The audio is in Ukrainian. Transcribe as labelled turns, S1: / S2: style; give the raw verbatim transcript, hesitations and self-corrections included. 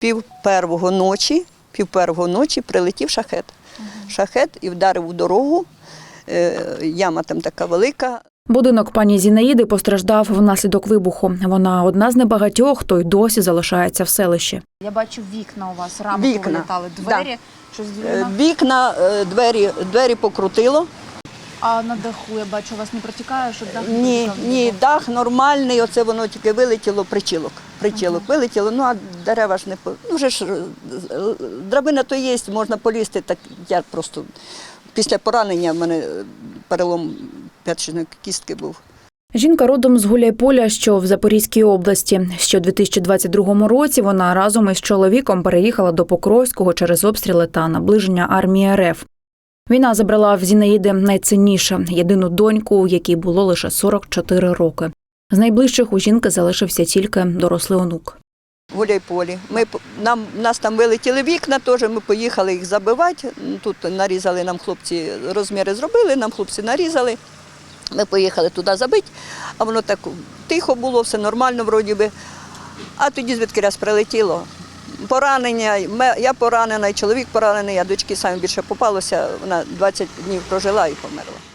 S1: пів первого ночі, пів первого ночі прилетів шахет. Шахет і вдарив у дорогу, яма там така велика.
S2: Будинок пані Зінаїди постраждав внаслідок вибуху. Вона одна з небагатьох, хто й досі залишається в селищі.
S3: Я бачу, вікна у вас, рамки
S1: Вікна.
S3: вилітали, двері.
S1: Да.
S3: Щось вікна.
S1: Вікна, двері, двері покрутило.
S3: А на даху, я бачу, у вас не протікає, щоб дах не
S1: Ні,
S3: протікав?
S1: ні, дах нормальний, оце воно тільки вилетіло, причілок. Причілок ага. вилетіло, ну а дерева ж не по... Ну вже ж драбина то є, можна полізти, так я просто після поранення в мене перелом п'ятичної кістки був.
S2: Жінка родом з Гуляйполя, що в Запорізькій області. Ще у дві тисячі двадцять другому році вона разом із чоловіком переїхала до Покровського через обстріли та наближення армії РФ. Війна забрала в Зінаїди найцінніше – єдину доньку, якій було лише сорок чотири роки. З найближчих у жінки залишився тільки дорослий онук.
S1: В Гуляйполі. Ми, нам, нас там вилетіли вікна, теж ми поїхали їх забивати. Тут нарізали нам хлопці, розміри зробили, нам хлопці нарізали. Ми поїхали туди забити, а воно так тихо було, все нормально вроді би. А тоді звідки раз прилетіло. Поранення, я поранена, і чоловік поранений, а дочки самі більше попалося, вона двадцять днів прожила і померла.